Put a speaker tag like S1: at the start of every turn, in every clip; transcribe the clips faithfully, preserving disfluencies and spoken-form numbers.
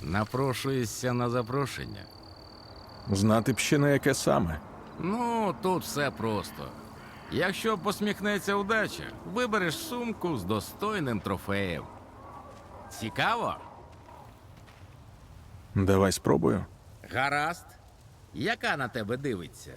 S1: Напрошуєшся на запрошення?
S2: Знати б ще на яке саме.
S1: Ну, тут все просто. Якщо посміхнеться удача, вибереш сумку з достойним трофеєм. Цікаво?
S2: Давай спробую.
S1: Гаразд. Яка на тебе дивиться?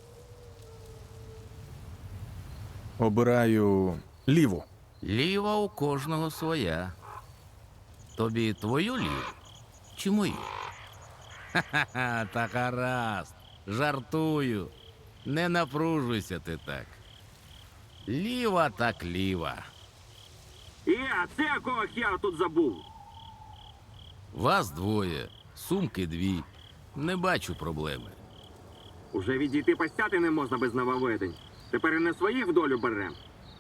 S2: Обираю ліву.
S1: Ліва у кожного своя. Тобі твою ліву? Чи мою? Ха-ха-ха, та гаразд. Жартую. Не напружуйся ти так. Ліва так ліва.
S3: Я, це якого хера тут забув?
S1: Вас двоє, сумки дві. Не бачу проблеми.
S3: Уже відійти постяти не можна без нововведень. Тепер і не своїх в долю берем.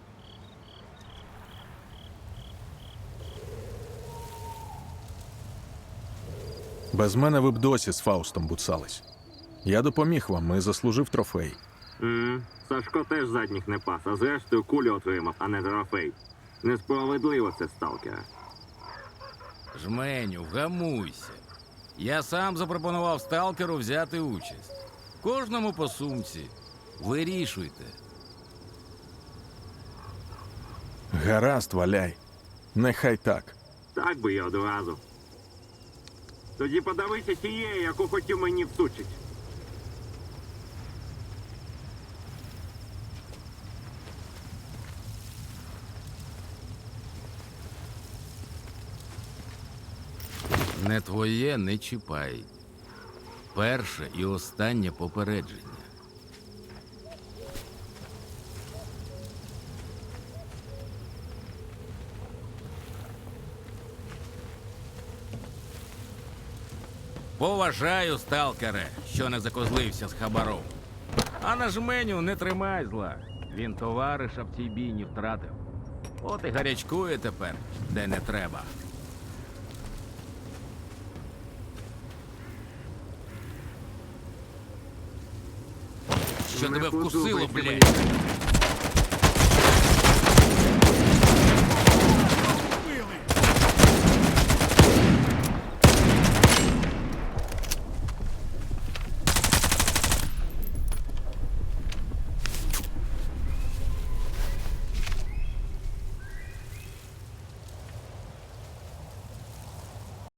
S2: Без мене ви б досі з Фаустом буцались. Я допоміг вам і заслужив трофей.
S3: М, Сашко теж задніх не пас, а зрештою кулю отримав, а не трофей. Несправедливо це, сталкера.
S1: Жменю, вгамуйся. Я сам запропонував сталкеру взяти участь. Кожному по сумці. Вирішуйте.
S2: Гаразд, валяй. Нехай так.
S3: Так би я одразу. Тоді подавися тієї, яку хотів мені всучить.
S1: Не твоє не чіпай. Перше і останнє попередження. Поважаю, сталкере, що не закозлився з хабаром. А на жменю не тримай зла. Він товариша в цій бійні втратив. От і гарячкує тепер, де не треба. Що
S3: Не
S1: тебе вкусило,
S3: подобається
S1: блядь?
S3: мені.